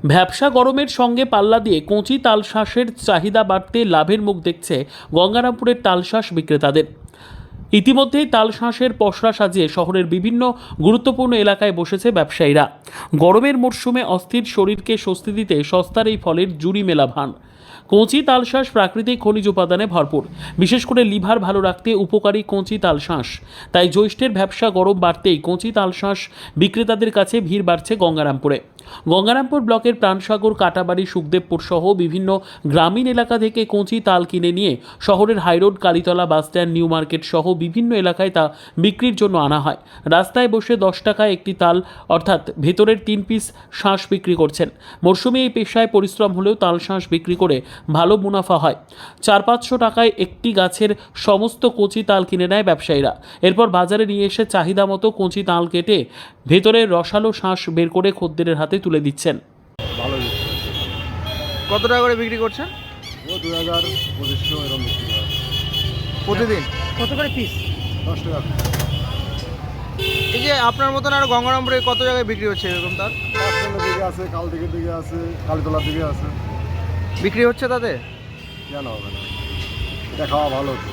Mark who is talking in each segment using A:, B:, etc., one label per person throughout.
A: ভ্যাপসা গরমের সঙ্গে পাল্লা দিয়ে কচি তালশাঁসের চাহিদা বাড়তে লাভের মুখ দেখছে গঙ্গারামপুরের তালশাঁস বিক্রেতাদের। ইতিমধ্যেই তালশাঁসের পসরা সাজিয়ে শহরের বিভিন্ন গুরুত্বপূর্ণ এলাকায় বসেছে ব্যবসায়ীরা। গরমের মরশুমে অস্থির শরীরকে স্বস্তি দিতে সস্তার এই ফলের জুড়ি মেলা ভান। কচি তালশাঁস প্রাকৃতিক খনিজ উপাদানে ভরপুর, বিশেষ করে লিভার ভালো রাখতে উপকারী কচি তালশাঁস। তাই জ্যৈষ্ঠের ভ্যাপসা গরম বাড়তেই কচি তালশাঁস বিক্রেতাদের কাছে ভিড় বাড়ছে গঙ্গারামপুরে। গঙ্গারামপুর ব্লকের প্রাণসাগর, কাটাবাড়ি, সুখদেবপুর সহ বিভিন্ন গ্রামীণ এলাকা থেকে কচি তাল কিনে নিয়ে শহরের high road, Kalitala bus stand, new market সহ বিভিন্ন এলাকায় তা বিক্রির জন্য আনা হয়। রাস্তায় বসে 10 টাকায় একটি তাল অর্থাৎ ভেতরের 3 পিস শাঁস বিক্রি করছেন। মরশুমে এই পেশায় পরিশ্রম হলেও তাল শাঁস বিক্রি করে ভালো মুনাফা হয়। 400-500 টাকায় একটি গাছের সমস্ত কচি তাল কিনে নেয় ব্যবসায়ীরা। এরপর বাজারে নিয়ে এসে চাহিদা মতো কচি তাল কেটে ভেতরের রসালো শাঁস বের করে খদ্দেরের হাতে তুলে দিচ্ছেন।
B: ভালো দিচ্ছে।
C: কত টাকা করে বিক্রি করছেন
B: ও 2000-2500 এরকম বিক্রি হয়।
C: প্রতিদিন?
D: কত করে পিস?
B: 10 টাকা piece।
C: এই যে আপনার মতন আর গঙ্গারামপুরে কত জায়গায় বিক্রি হচ্ছে এরকম তার?
B: বাসস্ট্যান্ডের দিকে আছে, কালদিঘির দিকে আছে, কালীতলার দিকে আছে।
C: বিক্রি হচ্ছে তাতে?
B: কেন হবে না? এটা খাওয়া ভালো তো।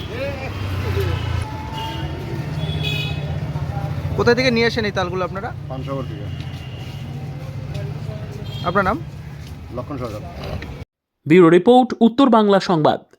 C: কোথায় থেকে নিয়ে আসেন এই তালগুলো আপনারা?
B: পানসাগর দিকে।
C: আপনার নাম?
B: লক্ষণ সরকার।
A: ব্যুরো রিপোর্ট, উত্তর বাংলা সংবাদ।